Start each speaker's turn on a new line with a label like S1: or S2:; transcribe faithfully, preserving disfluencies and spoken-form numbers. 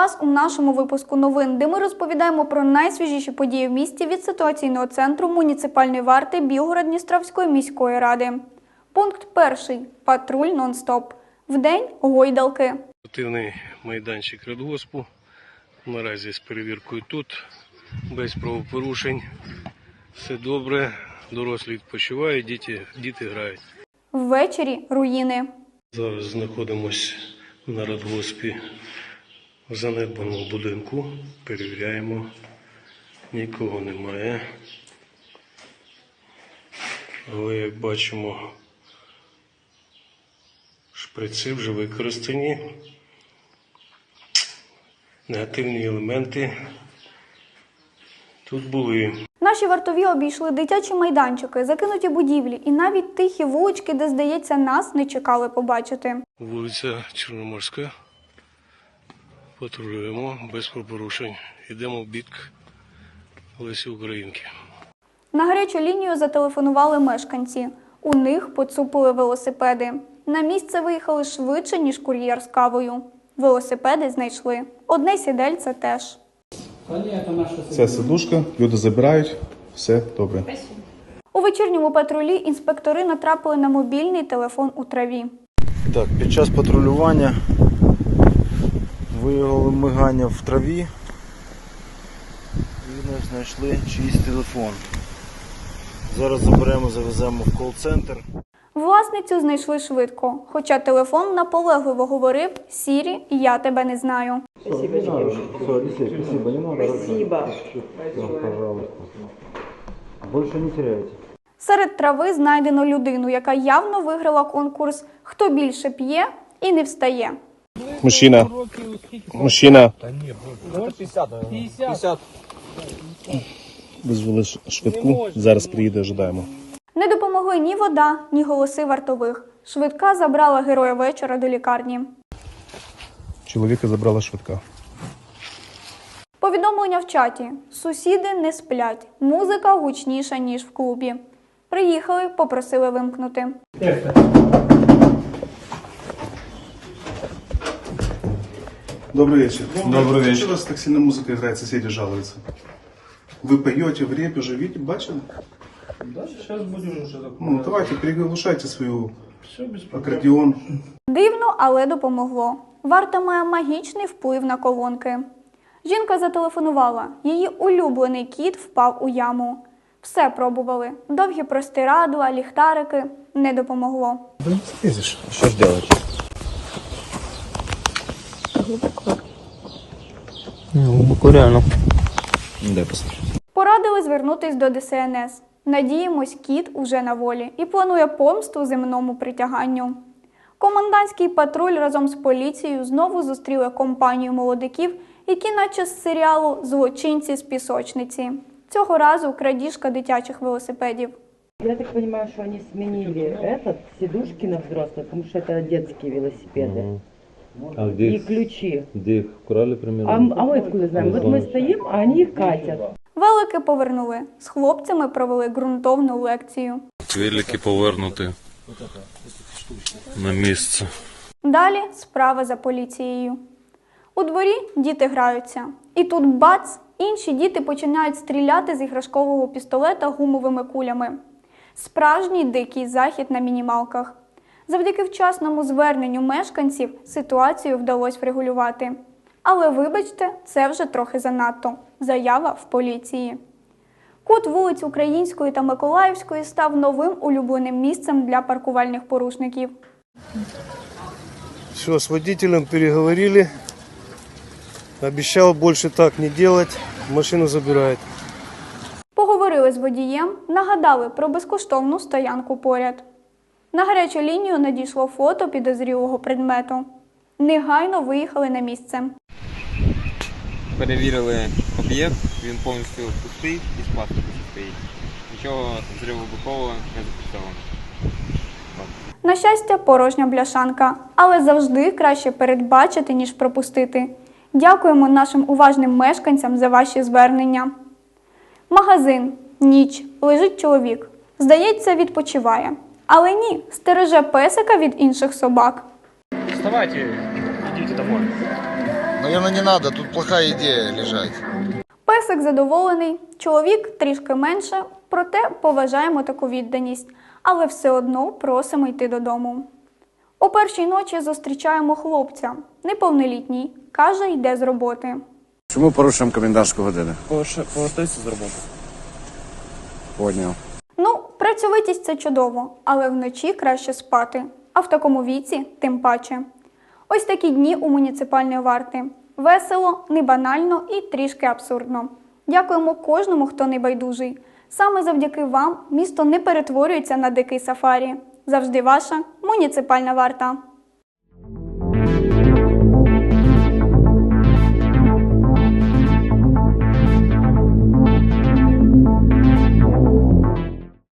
S1: вас у нашому випуску новин, де ми розповідаємо про найсвіжіші події в місті від ситуаційного центру муніципальної варти Білгород-Дністровської міської ради. Пункт перший. Патруль нон-стоп. Вдень – гойдалки.
S2: Активний майданчик радгоспу. Наразі з перевіркою тут. Без правопорушень. Все добре. Дорослі відпочивають, діти, діти грають.
S1: Ввечері – руїни.
S2: Зараз знаходимося на радгоспі в занедбаному будинку. Перевіряємо. Нікого немає. Але, як бачимо, шприци вже використані. Негативні елементи тут були.
S1: Наші вартові обійшли дитячі майданчики, закинуті будівлі і навіть тихі вулички, де, здається, нас не чекали побачити.
S2: Вулиця Чорноморська. Патрулюємо без порушень. Йдемо в бік Лесі Українки.
S1: На гарячу лінію зателефонували мешканці. У них поцупили велосипеди. На місце виїхали швидше, ніж кур'єр з кавою. Велосипеди знайшли. Одне сідельце теж.
S3: Це сидушка, люди забирають, все добре.
S1: У вечірньому патрулі інспектори натрапили на мобільний телефон у траві.
S4: Так, під час патрулювання виявили мигання в траві і не знайшли чийсь телефон. Зараз заберемо, завеземо в кол-центр.
S1: Власницю знайшли швидко, хоча телефон наполегливо говорив: «Сірі, я тебе не знаю».
S5: Спасибо, девушка.
S4: Спасибо, не надо.
S5: Спасибо.
S4: Пожалуйста. Больше не теряйте.
S1: Серед трави знайдено людину, яка явно виграла конкурс «Хто більше п'є і не встає».
S3: Мужчина. Мужчина.
S6: п'ятдесят.
S3: Визвали швидку, зараз приїде, ожидаємо.
S1: Не допомогли ні вода, ні голоси вартових. Швидка забрала героя вечора до лікарні.
S3: Чоловіка забрала швидка.
S1: Повідомлення в чаті. Сусіди не сплять. Музика гучніша, ніж в клубі. Приїхали, попросили вимкнути.
S3: Добрый вечер.
S6: Добрый вечер.
S3: Почему у вас так сильно музыка играет, соседи жалуются? Вы поете в репе уже, видите, бачили?
S6: Да, сейчас будем уже так.
S3: Ну, давайте, переглушайте свою
S6: Все без проблем.
S3: аккордеон.
S1: Дивно, але допомогло. Варта має магічний вплив на колонки. Жінка зателефонувала. Її улюблений кіт впав у яму. Все пробували. Довгі простирадла, ліхтарики. Не допомогло.
S3: Блин, слезешь.
S4: Что ж делать?
S6: Глубоко реально.
S4: Дай послушать.
S1: Порадили звернутись до Де Ес Ен Ес. Надіємось, кіт уже на волі і планує помсту земному притяганню. Комендантський патруль разом з поліцією знову зустріли компанію молодиків, які наче з серіалу «Злочинці з пісочниці». Цього разу крадіжка дитячих велосипедів.
S5: Я так понимаю, что они сменили этот, сидушки на взрослых, потому что это детские велосипеды.
S7: А где
S5: И
S7: их,
S5: ключи.
S7: где их украли
S5: А,
S7: примерно?
S5: м- а мы откуда знаем? Вот мы стоим, а они их катят.
S1: Велики повернули. З хлопцями провели ґрунтовну лекцію.
S7: Велики повернути на місце.
S1: Далі справа за поліцією. У дворі діти граються. І тут бац! Інші діти починають стріляти з іграшкового пістолета гумовими кулями. Справжній дикий захід на мінімалках. Завдяки вчасному зверненню мешканців ситуацію вдалося врегулювати. Але вибачте, це вже трохи занадто. Заява в поліції. Кут вулиць Української та Миколаївської став новим улюбленим місцем для паркувальних порушників.
S4: Все, с водителем переговорили. Обещал больше так не делать. Машину забирает.
S1: Поговорили з водієм, нагадали про безкоштовну стоянку поряд. На гарячу лінію надійшло фото підозрілого предмету. Негайно виїхали на місце.
S8: Перевірили об'єкт, він повністю пустий і з пластику стоїть. Нічого взривовибухового не зафіксовано.
S1: На щастя, порожня бляшанка. Але завжди краще передбачити, ніж пропустити. Дякуємо нашим уважним мешканцям за ваші звернення. Магазин. Ніч. Лежить чоловік. Здається, відпочиває. Але ні, стереже песика від інших собак.
S6: Вставайте, идите домой.
S9: Наверное, не надо, тут плохая идея лежать.
S1: Песик задоволений, чоловік трішки менше, проте поважаємо таку відданість, але все одно просимо йти додому. О першій ночі зустрічаємо хлопця, неповнолітній, каже, йде з роботи.
S10: Чому порушуємо комендантську годину?
S6: Повертайся з роботи.
S10: Поняв.
S1: Ну, працьовитість – це чудово, але вночі краще спати, а в такому віці тим паче. Ось такі дні у муніципальної варти. Весело, не банально і трішки абсурдно. Дякуємо кожному, хто не байдужий. Саме завдяки вам місто не перетворюється на дикий сафарі. Завжди ваша муніципальна варта.